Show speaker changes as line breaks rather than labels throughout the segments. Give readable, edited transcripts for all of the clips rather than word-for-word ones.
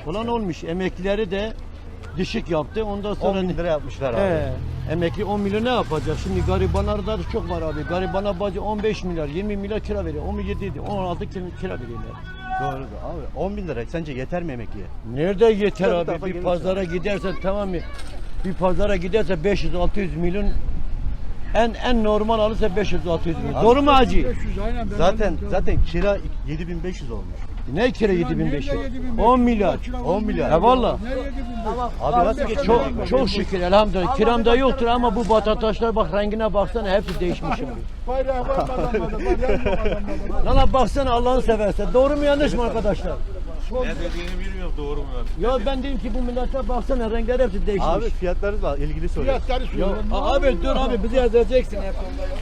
olan olmuş. Emeklileri de düşük yaptı. Ondan
10
sonra
bin lira yapmışlar abi.
emekli 10 milyon ne yapacak? Şimdi garibanlarda da çok var abi. Garibana bacı 15 milyar, 20 milyar kira veriyor. 17 idi, 16 kira veriyorlar.
Doğru da abi 10 bin lira sence yeter mi emekliye?
Nerede yeter
Bu
abi?
tarafa
Bir
gelirse.
pazara gidersen tamam mı? Bir pazara giderse 500-600 milyon en normal alırsa 500-600 milyon. Doğru mu hacı?
500 aynen.
Zaten kira 7500 olmuş.
Ne kira 7500? 10 milyar.
10 milyar.
Ya valla.
Ne 7500?
Abi nasıl geçiyor?
Çok şükür elhamdülillah. Kiramda yoktur ama bu vatandaşlar bak rengine baksana hepsi değişmiş şimdi.
Bayrağı var mı adamlarda? Bayrağı yok adamlarda.
Lan baksana Allah'ını seversen. Doğru mu yanlış mı arkadaşlar?
Ne dediğini bilmiyorum, doğru mu?
Ya ben dedim ki bu millete baksana renkler hepsi değişmiş.
Abi fiyatları da ilgili soruyor.
Fiyatları
Ya
söylüyorum.
abi dur abi bizi yazacaksın hep.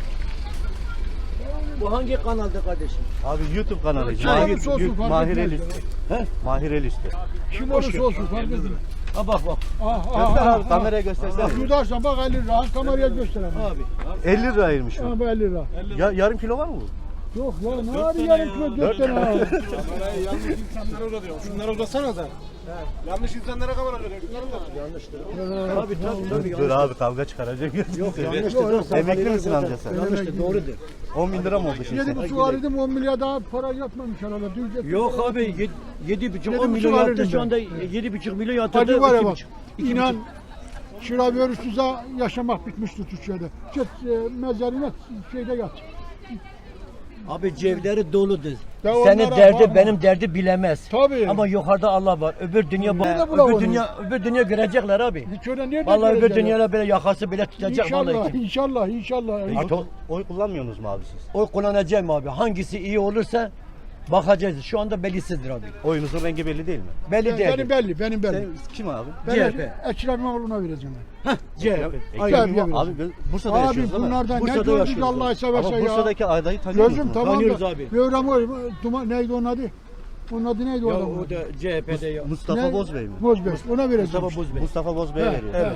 Bu hangi kanalda kardeşim?
Abi YouTube kanalı.
Şey, olsun, fark
Mahir
etmez.
Elisti.
He?
Mahir Elisti.
Kim olursa olsun fark etmez.
Ha bak.
Göster abi kameraya göstersene.
Bak yudarsan bak 50 lira. Kameraya gösteremem.
Abi.
50 liraymış o.
Ha bu 50 lira.
Ya, yarım kilo var mı bu?
Yok ya ne var yarım kilo 4 tane ha.
Kamerayı yanlış insanlara uzatıyor. Şunları uzatsana da. Yanlış insanlara kamera uzatıyor. Şunları uzat.
Abi tabii.
Dur abi kavga çıkaracak.
Yok yanlıştır.
Emekli misin amca sen?
Yanlıştır doğrudur.
10 bin lira mı oldu şimdi?
7,5 alırdım 10 milyar daha para yatmamış herhalde. Dün
Yok abi 7,5 10
7,5
milyon yaptı
alırdım
şu
ben.
anda 7,5 milyon yatırdı.
Hadi var ya bak.
2,5.
İnan çıra verüsüze yaşamak bitmişti Türkiye'de. Git mezarına şeyde yat.
Abi cevleri doludur.
Ya
Senin
onlara
derdi
bakma.
benim derdi bilemez.
Tabii.
Ama yukarıda Allah var. Öbür dünya
Nerede bulalım
öbür dünya görecekler abi.
Hiç öyle nerede
Vallahi öbür
görecekler?
dünyada böyle yakası bile tutacak
İnşallah,
vallahi.
inşallah.
Oy kullanmıyorsunuz mu abi siz?
Oy kullanacağım abi. Hangisi iyi olursa bakacağız. Şu anda bellisizdir abi.
Oyunuzun rengi belli değil mi?
Belli değil.
Benim belli, benim belli.
Sen kim abi?
Ben
CHP.
Ekrem İmamoğlu'na vereceğim ben.
CHP.
Abi,
Abi Bursa'da
Abi
yaşıyoruz değil mi?
bunlardan ne
Bursa'da
gördük
yaşıyoruz.
Allah'ı seversen
Ama
ya.
Bursa'daki adayı tanıyor
Gözüm
musunuz?
tamam
Tanıyoruz
da.
abi.
Duman neydi onun adı? Onun adı neydi o
Ya
adamın?
o da CHP'de ya.
Mustafa Bozbey mi?
Bozbey. Ona vereceğim.
Mustafa Bozbey.
Mustafa Bozbey'e veriyor.
Evet.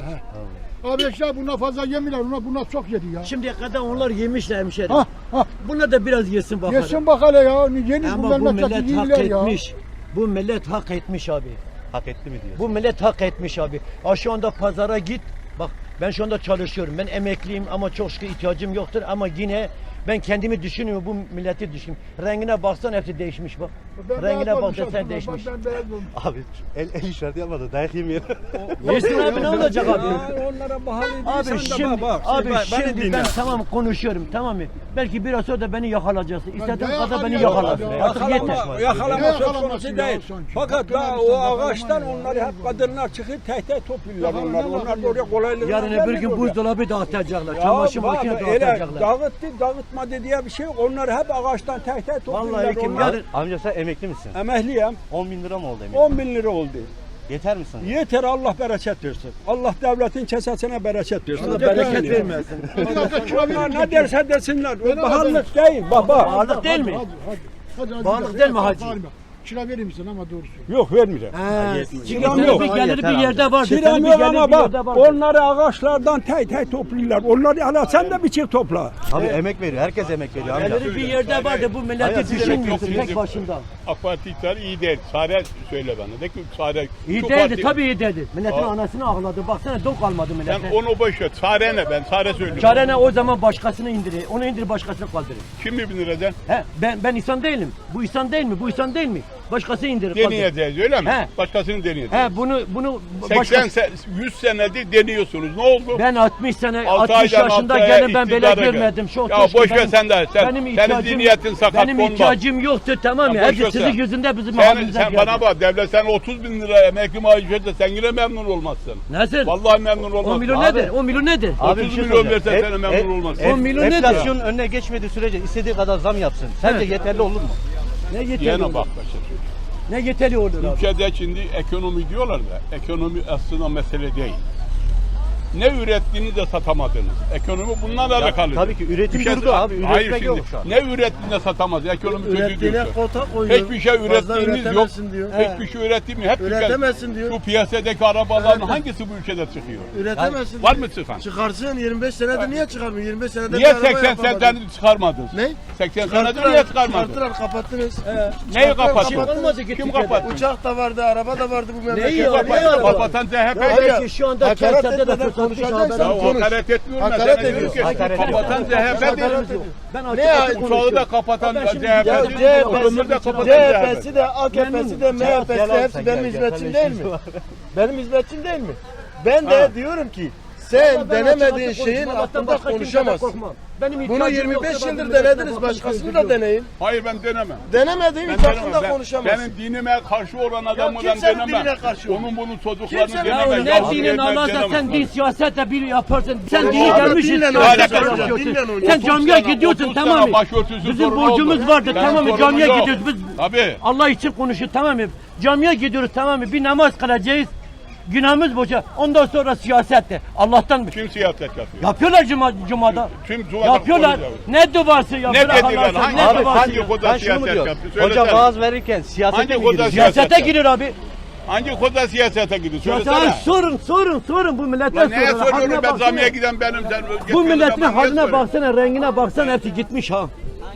Abi işte bunlar fazla yemiyorlar. Bunlar çok yedi ya.
Şimdiye kadar onlar yemişler hemşerim.
Ha ha.
Bunlar da biraz yesin bakalım.
Yesin bak hele ya. Yeni bu
Ama bu
memleketi
millet hak
yiyorlar ya.
etmiş. Bu millet hak etmiş abi.
Hak etti mi diyor.
Bu millet hak etmiş abi. Şu anda pazara git. Bak ben şu anda çalışıyorum. Ben emekliyim ama çok şükür ihtiyacım yoktur. Ama yine ben kendimi düşünüyorum. Bu milleti düşünüyorum. Rengine baksan hepsi değişmiş bak.
Ben
Rengine
beyaz
bak
olmuşum.
sen değişmiş.
Ben beyaz olmuşum.
Abi el işareti yapmadı. Dayak yemeyelim.
Yesin abi ne olacak abi?
Onlara bahane
Abi şimdi, şimdi ben tamam konuşuyorum tamam mı? Belki biraz sonra da beni yakalayacaksın. İstediğin
dayak
kadar beni
alıyorum
yakalarsın.
abi.
Artık yeter.
Yakalama
Ne
söz
yakalaması
konusu
ya
değil.
sanki?
Fakat
Hakkını
daha
verirsen
o
yakalaman
ağaçtan
ya.
onları hep kadınlar çıkıp tehdit topluyorlar
Ya
onlar.
ne
Onlar
yapalım?
da oraya kolaylıkla
Yarın öbür gün buzdolabı dağıtacaklar.
Ya
Çamaşır
bak,
makinesi
öyle
dağıtacaklar.
dağıtmadı diye bir şey yok. Onlar hep ağaçtan tehdit topluyorlar.
Vallahi kim
onlar.
yarın
Amca sen emekli misin?
Emekliyim.
10 bin lira mı oldu emekli?
10 bin lira oldu.
Yeter mi sana?
Yeter Allah bereket versin. Allah devletin kesesine bereket versin.
Allah bereket vermesin.
Bir dakika kira
Onlar
verin.
ne derse desinler. O
Ben
pahalılık değil. Baba.
Bağırlık değil mi?
Hadi,
Bağırlık değil mi hacı?
Kira verir misin ama doğrusu.
Yok vermiyorum.
Çünkü
Kiram
senin
yok.
bir geliri
Yeter
bir
abi.
yerde vardır.
Kiram
Senin bir
yok
geliri
ama
bir
bak
yerde vardır.
onları ağaçlardan tek topluyorlar. Onları hala sen de bir çift topla.
Abi emek veriyor. Herkes emek veriyor amca.
Geliri bir yerde vardı. Bu milleti
Hayır,
düşünmüyorsun
yok,
tek başında.
AK Parti iktidarı iyi değil. Sare söyle bana. De ki Sare.
İyi
şu
değildi
parti-
tabii iyi değildi. Milletin
Aa.
anasını ağladı. Baksana don kalmadı
Sen
millete.
onu boş ver. Sare ne? Ben Sare söylüyorum.
Çare ne o zaman başkasını indirir. Onu indir başkasını kaldırır.
Kim mi bilir eden?
He ben insan değilim. Bu insan değil mi? Bu insan değil mi? Başkası indirir. kaldırır.
Deneyeceğiz öyle mi?
He.
Başkasını deneyeceğiz.
He bunu
80 100 senedir deniyorsunuz. Ne oldu?
ben 60 sene
6
60
aydan
yaşında
6 aya
gelin ben böyle
iktidara gel.
görmedim. Çok
Ya
keşke
boş ver
benim-
sen de. Senin zihniyetin sakat
benim
konma.
ihtiyacım yoktu tamam mı?
Ya boş
Hepsi
ver
sizin
sen.
yüzünden bizim
Sen
mahallemize geldi.
bana bak devlet sen 30 bin lira emekli maaşı verse sen yine memnun olmazsın.
Nasıl?
Vallahi memnun
10
olmazsın.
milyon
Abi.
nedir? 10 milyon nedir?
Abi
30
bir şey
milyon
soracağım.
versen sen memnun olmazsın.
10 milyon nedir?
Enflasyonun önüne geçmediği sürece istediği kadar zam yapsın. Sence
Evet.
yeterli olur mu?
Ne yeterli
Yine
olur?
bak başa.
Ne yeterli olur abi?
Ülkede şimdi ekonomi diyorlar da ekonomi aslında mesele değil. Ne ürettiğini de satamadınız. Ekonomi bundan alakalı.
tabii ki üretim
Bir şey-
durdu abi.
Hayır
Üretmek
şimdi.
yok şu an.
Ne ürettiğini de satamaz. Ekonomi kötü
Ürettiğine
diyorsun.
kota koyuyor.
Hiçbir şey
Fazla
ürettiğimiz yok.
üretemezsin diyor.
Hiçbir şey ürettiğimiz hep
Üretemezsin diyor.
Şu piyasadaki arabaların hangisi bu ülkede çıkıyor?
Üretemezsin.
Var mı çıkan?
Çıkarsın 25 senedir niye çıkarmıyor? 25 senedir
Niye
bir araba
80
yapamadın.
seneden çıkarmadın?
Ne?
80 senedir niye çıkarmadın?
Çıkarttılar, kapattınız.
Neyi kapattın?
Şey olmadı ki
Kim
Türkiye'de.
kapattı?
Uçak da vardı, araba da vardı bu
Neyi
memlekette.
yok,
Kapatan,
neyi yok?
kapatan CHP.
Belki şu anda
Hakaret
kentselde de
etmeden
fırsatmış
konuşacaksan
Ya
haber.
konuş.
hakaret etmiyorum ben.
Hakaret
Sana diyorum
ediyorsun.
ki,
Hakaret
kapatan CHP
Haberimiz
değil.
yok. Ben
Ne
açık
ya?
açık
Uçağı
konuşuyorum.
da kapatan
Ben şimdi
CHP
Ya
değil. Oturumda kapatan
CHP'si
CHP.
de AKP'si de MHP'si de hepsi benim hizmetçim değil mi? Benim hizmetçim değil mi? Ben de diyorum ki sen
Ben
denemediğin
açık açık
şeyin
konuşmam.
hakkında
Başka kimseden
konuşamazsın.
korkmam. Benim
Bunu
ihtiyacım
25
yoksa ben
yıldır
milletle
denediniz.
korkmam,
Başkasını
sıkıntı
da
yok.
deneyin.
Hayır ben denemem.
Denemediğin hiç hakkında konuşamazsın.
Benim dinime karşı olan adamı ben
kimsenin
denemem.
dinine karşı
Onun bunun çocuklarını
Kimsenin
denemem.
dinine
Ne
Yahudi
dinin
yerine
Allah'sa
denemem.
sen din siyasetle bir yaparsın. Sen
Ya
dini
abi,
gelmişsin.
dinle
siyasetle
oynayacak,
yapıyorsun.
dinle oynayacak.
Sen
30
camiye
sene,
gidiyorsun
30
tamam
sene
mı?
başörtüsü
Bizim
sorunu
borcumuz
oldu.
vardı
Benim
tamam mı?
sorunum
Camiye
yok.
gidiyoruz biz.
Tabii.
Allah için konuşuyor tamam mı? Camiye gidiyoruz tamam mı? Bir namaz kılacağız. Günahımız boşa. Ondan sonra siyasette. Allah'tan mı?
Kim siyaset yapıyor?
Yapıyorlar cumada.
Kim cumada
Yapıyorlar.
konuşuyor?
Ne duası
Ne
yapıyorlar?
dediler?
Allah'ın
Hangi,
ne
abi,
duası
hangi
ya?
koda
Ben şunu mu
siyaset
diyorum?
yaptı?
Hocam
Söylesene.
vaaz verirken siyasete
Hangi
mi
koda
giriyor?
Siyasete giriyor abi.
Hangi koda siyasete gidiyor?
Siyasete
Söylesene.
sorun bu millete
Lan neye
sorun.
soruyorum
Haline
ben
baksana.
camiye giden benim. Sen
Bu milletin
ben
haline
soruyorum?
baksana, rengine baksana hepsi gitmiş ha.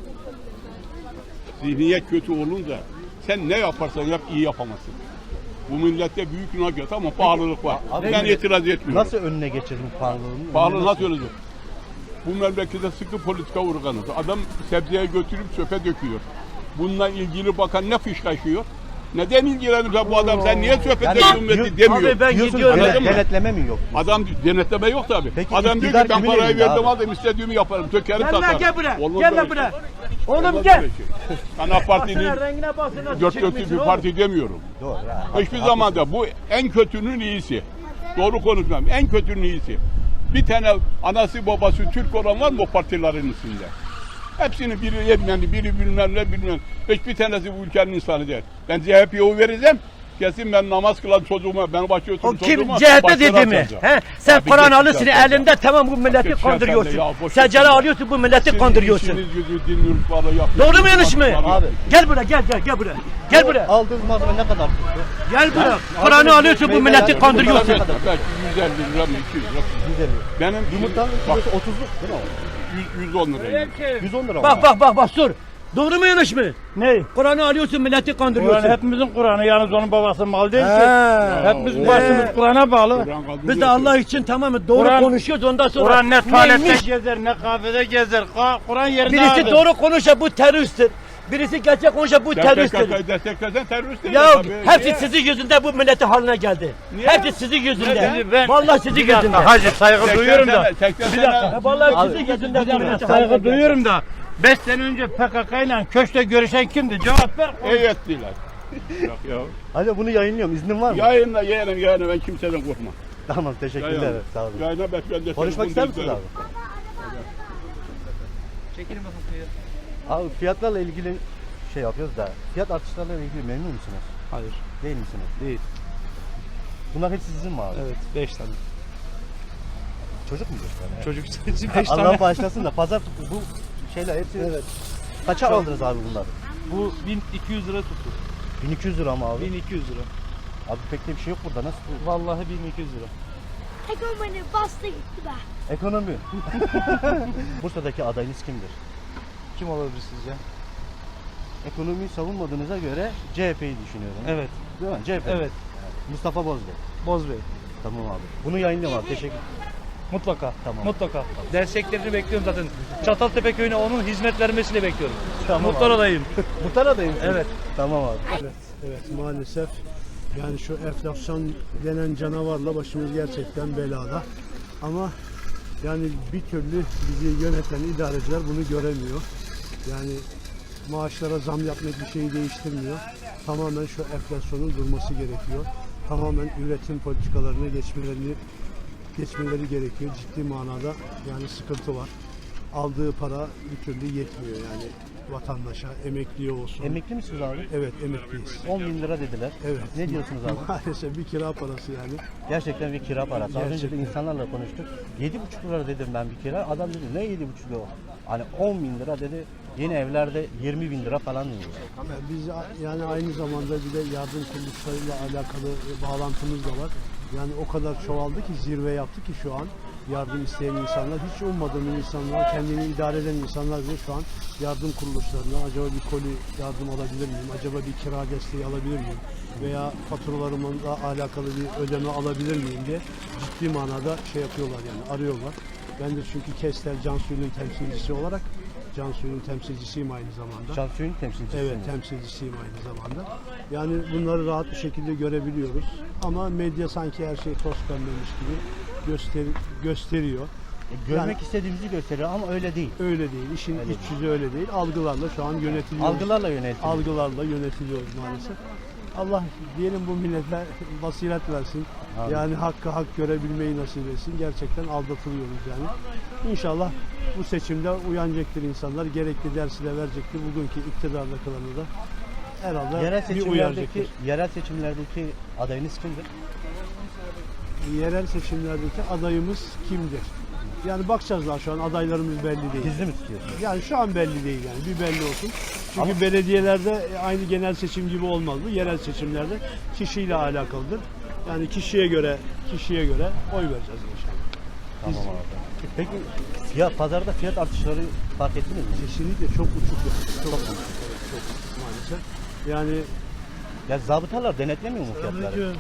Zihniyet kötü olunca sen ne yaparsan yap iyi yapamazsın. Bu millette büyük nakit ama pahalılık var. Ben itiraz etmiyorum.
Nasıl önüne geçirdin pahalılığını?
Pahalı nasıl olacak? Bu memlekette sıkı politika uygulanır. Adam sebzeye götürüp çöpe döküyor. Bununla ilgili bakan ne fışkaşıyor? Neden ilgilenir bu adam? Sen niye çöpe döküyorsun demiyor.
Abi ben
Diyorsun
gidiyorum.
Anladın mı?
denetleme mi yok?
Adam denetleme yok tabi.
Peki
Adam diyor
iktidar
ki ben
kimin
parayı
elinde
verdim
abi?
aldım istediğimi yaparım. Dökerim
Gel lan
satarım.
gel buraya.
Olmaz
Gel
böyle
lan
şey.
buraya. Oğlum
Olmaz
gel.
böyle şey. Ben AK Parti'nin
Baksana rengine baksana.
dört dörtlük bir parti demiyorum.
Doğru ya.
Hiçbir zaman da bu en kötünün iyisi. Doğru konuşmam. En kötünün iyisi. Bir tane anası babası Türk olan var mı o partilerin içinde? Hepsini biri yetmeyen, biri bilmem ne bilmem. Hiçbir tanesi bu ülkenin insanı değil. Ben CHP'ye oy vereceğim. Kesin ben namaz kılan çocuğuma, ben başörtülü
O kim
çocuğuma
CHP
başları
dedi mi?
atacağım.
He? Sen
Abi
Kur'an
geçin
alıyorsun
zaten.
elinde tamam bu milleti
Geçin
kandırıyorsun.
sen de ya, boş
Secere
ver.
alıyorsun bu milleti kandırıyorsun.
İşiniz gücü din yurtları yapıyorsunuz.
Doğru mu yanlış mı?
Abi.
Gel buraya gel buraya. Gel buraya.
Aldığınız malzeme ne kadar tuttu?
Gel buraya. Kur'an'ı alıyorsun bu milleti kandırıyorsun.
Belki 150 lira mı 200 lira.
Güzel.
Benim
Yumurtanın
bak,
kilosu 30'luk değil mi?
110 lira.
110 lira mı?
Bak sor. Doğru mu yanlış mı? Ne? Kur'an'ı alıyorsun milleti kandırıyorsun.
Kur'an hepimizin Kur'an'ı yalnız onun babasının malı değil ki.
He.
Hepimizin başımız Kur'an'a bağlı.
Biz de Allah için tamam mı? Doğru
Kur'an-
konuşuyoruz ondan sonra.
Kur'an ne tuvalette
neymiş?
gezer ne kahvede gezer. Kur'an yerinde
Birisi
ağırdır.
doğru konuşa bu teröristtir. Birisi gerçek konuşa bu teröristtir.
PKK'yı desteklesen terörist değil.
Ya
tabii.
hepsi
Niye?
sizin yüzünden bu milleti haline geldi.
Niye?
Hepsi sizin yüzünden.
Şimdi ben-
Vallahi sizin
Bir dakika
yüzünden.
hacı saygı
80
duyuyorum da.
sene- 80
Bir
sene-
dakika.
Vallahi sizin yüzünden bu milleti haline
Saygı
geldi.
duyuyorum da. 5 sene önce PKK ile köşkte görüşen kimdi? Cevap ver.
Evet diyorlar. Yok ya.
Hadi bunu yayınlıyorum. İznin var mı?
Yayınla ben kimseden korkmam.
Tamam teşekkürler.
Yayınla.
Sağ olun.
Yayına ben de
Konuşmak ister misiniz abi? Abi fiyatlarla ilgili şey yapıyoruz da fiyat artışlarıyla ilgili memnun musunuz?
Hayır.
Değil misiniz?
Değil.
Bunlar hepsi sizin mi abi?
Evet 5 tane.
Çocuk mu göster?
Çocuk için 5
Allah
tane.
bağışlasın da pazar bu şeyler hepsi kaça aldınız abi bunları?
Bu 1200 lira tuttu.
1200 lira mı abi?
1200 lira.
Abi pek de bir şey yok burada. Nasıl bu?
Vallahi 1200 lira.
Ekonomi bastı gitti be.
Ekonomi. Bursa'daki adayınız kimdir?
Kim olabilir sizce?
Ekonomiyi savunmadığınıza göre CHP'yi düşünüyorum.
Evet.
Değil mi? CHP.
Evet.
Mustafa Bozbey.
Bozbey.
Tamam abi. Bunu yayınlıyorum abi. Teşekkür
Mutlaka.
Tamam.
Mutlaka. Desteklerini bekliyorum zaten. Çataltepe köyüne onun hizmet vermesini bekliyorum.
Tamam
Muhtar
abi.
adayım.
Muhtar adayım.
Evet.
Tamam abi.
Evet maalesef yani şu enflasyon denen canavarla başımız gerçekten belada. Ama yani bir türlü bizi yöneten idareciler bunu göremiyor. Yani maaşlara zam yapmak bir şeyi değiştirmiyor. Tamamen şu enflasyonun durması gerekiyor. Tamamen üretim politikalarına geçmeleri gerekiyor. Ciddi manada yani sıkıntı var. aldığı para bir türlü yetmiyor yani vatandaşa, emekliye olsun.
Emekli misiniz abi?
Evet, emekliyiz.
10 bin lira dediler.
Evet.
Ne diyorsunuz abi?
Maalesef bir kira parası yani.
Gerçekten bir kira parası. Az önce de
Gerçekten.
insanlarla konuştuk. 7,5 lira dedim ben bir kira. Adam dedi ne 7,5 lira? Hani 10 bin lira dedi. Yeni evlerde 20 bin lira falan diyor.
Biz yani aynı zamanda bir de yardım kuruluşlarıyla alakalı bağlantımız da var. Yani o kadar çoğaldı ki, zirve yaptı ki şu an yardım isteyen insanlar, hiç ummadığım insanlar, kendini idare eden insanlar bile şu an yardım kuruluşlarına acaba bir koli yardım alabilir miyim, acaba bir kira desteği alabilir miyim veya faturalarımla alakalı bir ödeme alabilir miyim diye ciddi manada şey yapıyorlar yani, arıyorlar. Ben de çünkü Kestel Cansu'nun temsilcisi olarak, Cansu'nun temsilcisiyim aynı zamanda.
Şansiyonun temsilcisi.
Evet, temsilcisiyim aynı zamanda. Yani bunları rahat bir şekilde görebiliyoruz. Ama medya sanki her şey toz pembemiş gibi gösteriyor.
Görmek
Yani-
istediğimizi gösteriyor ama öyle değil.
Öyle değil. İşin
Öyle
iç yüzü öyle değil. Algılarla şu an yönetiliyoruz.
Algılarla yönetiliyor.
Algılarla yönetiliyoruz maalesef. Allah diyelim bu millete basiret versin.
Amin.
Yani hakkı hak görebilmeyi nasip etsin. Gerçekten aldatılıyoruz yani. İnşallah bu seçimde uyanacaktır insanlar. Gerekli dersi de verecektir. Bugünkü iktidarda kalanı da herhalde bir uyaracaktır.
Yerel seçimlerdeki adayınız kimdir?
Yerel seçimlerdeki adayımız kimdir? Yani bakacağız daha, şu an adaylarımız belli değil.
Gizli mi tutuyorsunuz?
Yani şu an belli değil yani, bir belli olsun. Çünkü belediyelerde aynı genel seçim gibi olmaz bu. Yerel seçimlerde kişiyle alakalıdır. Yani kişiye göre oy vereceğiz inşallah.
Tamam abi. Peki pazarda fiyat artışları fark ettiniz mi?
Kesinlikle çok uçuk yani. Çok uçuk. Evet, çok uçuk maalesef. Yani
Ya zabıtalar denetlemiyor mu fiyatları?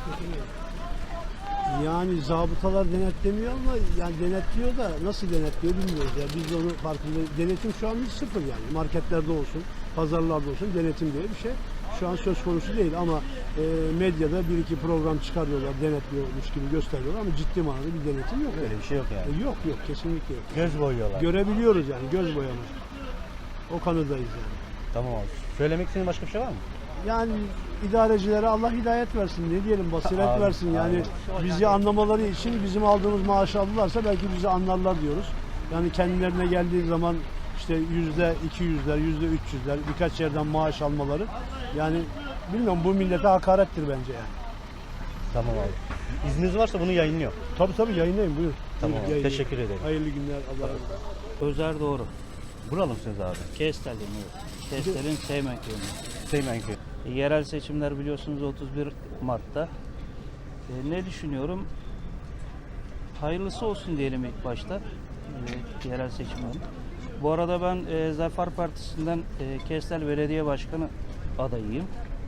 Yani zabıtalar denetlemiyor ama yani denetliyor da nasıl denetliyor bilmiyoruz ya. Biz de onu farkında. Denetim şu an sıfır yani. Marketlerde olsun, pazarlarda olsun denetim diye bir şey şu an söz konusu değil ama medyada bir iki program çıkarıyorlar, denetliyormuş gibi gösteriyorlar ama ciddi manada bir denetim yok.
Öyle bir şey yok yani.
Yok kesinlikle yok.
Göz boyuyorlar.
Görebiliyoruz yani, göz boyamış. O kanıdayız yani.
Tamam abi. Söylemek istediğin başka bir şey var mı?
Yani idarecilere Allah hidayet versin, ne diyelim, basiret
Amin,
versin yani. Bizi anlamaları için bizim aldığımız maaşı alırlarsa belki bizi anlarlar diyoruz. Yani kendilerine geldiği zaman işte %200'ler, %300'ler birkaç yerden maaş almaları yani bilmiyorum, bu millete hakarettir bence yani.
Tamam abi. İzniniz varsa bunu yayınlıyor.
Tabii yayınlayın, buyurun.
Tamam,
Buyurun, yayınlayın.
teşekkür ederim.
Hayırlı günler, Allah'a emanet olun.
Özer doğru.
Buralı mısınız abi?
Kestel'in evet. Kestel'in Seymen köyünde.
Seymenköy.
Yerel seçimler biliyorsunuz 31 Mart'ta. Ne düşünüyorum? Hayırlısı olsun diyelim ilk başta. Yerel seçimlerin. Bu arada ben Zafer Partisi'nden Kestel Belediye Başkanı adayıyım.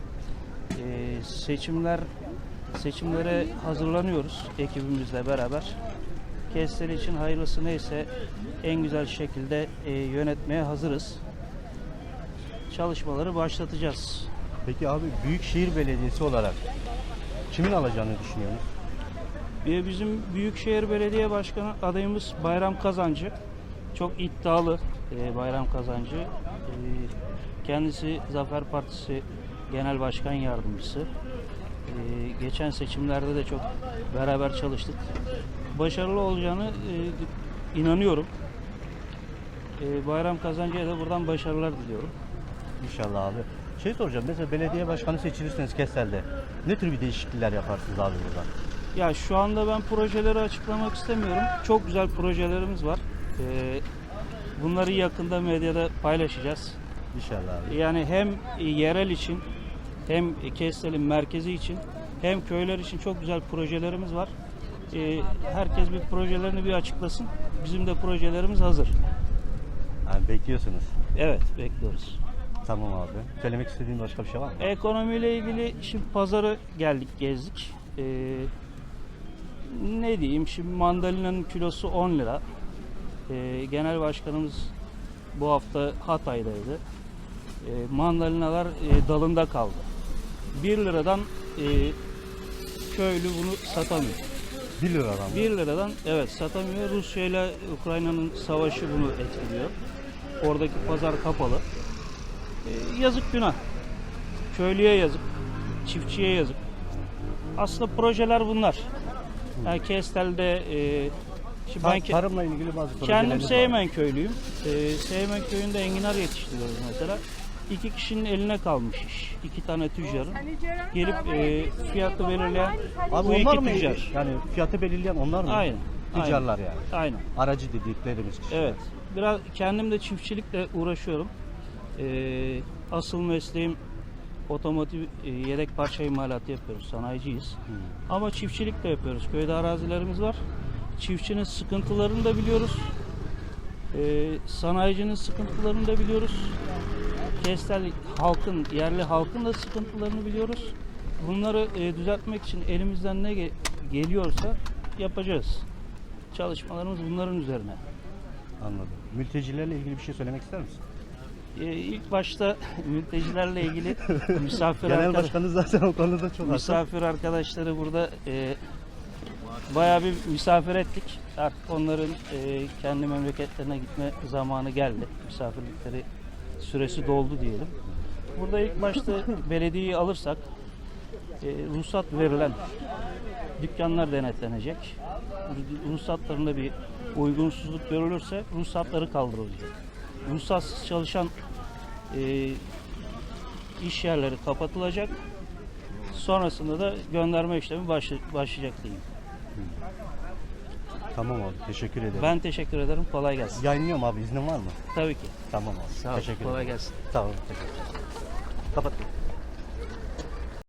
Seçimlere hazırlanıyoruz ekibimizle beraber. Kestel için hayırlısı neyse en güzel şekilde yönetmeye hazırız. Çalışmaları başlatacağız.
Peki abi Büyükşehir Belediyesi olarak kimin alacağını düşünüyorsunuz?
Bizim Büyükşehir Belediye Başkanı adayımız Bayram Kazancı. Çok iddialı Bayram Kazancı. Kendisi Zafer Partisi Genel Başkan Yardımcısı. Geçen seçimlerde de çok beraber çalıştık. Başarılı olacağını inanıyorum. Bayram Kazancı'ya da buradan başarılar diliyorum.
İnşallah abi. Şey soracağım, mesela belediye başkanı seçilirseniz Kestel'de ne tür bir değişiklikler yaparsınız abi buradan?
Ya şu anda ben projeleri açıklamak istemiyorum. Çok güzel projelerimiz var. Bunları yakında medyada paylaşacağız.
İnşallah abi.
Yani hem yerel için hem Kestel'in merkezi için hem köyler için çok güzel projelerimiz var. Herkes bir projelerini bir açıklasın. Bizim de projelerimiz hazır.
Yani bekliyorsunuz.
Evet, bekliyoruz.
Tamam abi. Söylemek istediğin başka bir şey var mı?
Ekonomiyle ilgili şimdi pazarı geldik, gezdik. Ne diyeyim, şimdi mandalinanın kilosu 10 lira. Genel başkanımız bu hafta Hatay'daydı. Mandalinalar dalında kaldı. 1 liradan köylü bunu satamıyor.
1 liradan.
1 liradan evet satamıyor. Rusya ile Ukrayna'nın savaşı bunu etkiliyor. Oradaki pazar kapalı. Yazık günah. Köylüye yazık. Çiftçiye yazık. Aslında projeler bunlar. Yani Kestel'de Şimdi ben
Tarımla ilgili bazı
kendim
projeleriniz var.
Seymen köylüyüm. Seymen köyünde enginar yetiştiriyoruz mesela. 2 kişinin eline kalmış iş. 2 tane tüccarın. Gelip fiyatı belirleyen
Abi
bu
onlar
iki
mı?
tüccar.
Yani fiyatı belirleyen onlar mı?
Aynen.
Tüccarlar yani.
Aynen.
Aracı dediklerimiz kişiler.
Evet. Biraz kendim de çiftçilikle uğraşıyorum. Asıl mesleğim otomotiv yedek parça imalatı yapıyoruz. Sanayiciyiz. Ama çiftçilik de yapıyoruz. Köyde arazilerimiz var. Çiftçinin sıkıntılarını da biliyoruz. Sanayicinin sıkıntılarını da biliyoruz. Kestel halkın, yerli halkın da sıkıntılarını biliyoruz. Bunları düzeltmek için elimizden ne geliyorsa yapacağız. Çalışmalarımız bunların üzerine.
Anladım. Mültecilerle ilgili bir şey söylemek ister misin?
İlk başta mültecilerle ilgili
Genel başkanı zaten o konuda çok hassas.
misafir arkadaşları burada bayağı bir misafir ettik. Artık onların kendi memleketlerine gitme zamanı geldi. Misafirlikleri süresi doldu diyelim. Burada ilk başta belediyeyi alırsak ruhsat verilen dükkanlar denetlenecek. Ruhsatlarında bir uygunsuzluk görülürse ruhsatları kaldırılacak. Ruhsatsız çalışan iş yerleri kapatılacak. Sonrasında da gönderme işlemi başlayacak diyeyim.
Tamam abi, teşekkür ederim.
Ben teşekkür ederim. Kolay gelsin.
Yayınlıyorum abi, iznin var mı?
Tabii ki.
Tamam abi.
Sağ ol.
Teşekkür
Kolay
ederim.
gelsin.
Sağ olun. Teşekkür ederim. Kapat.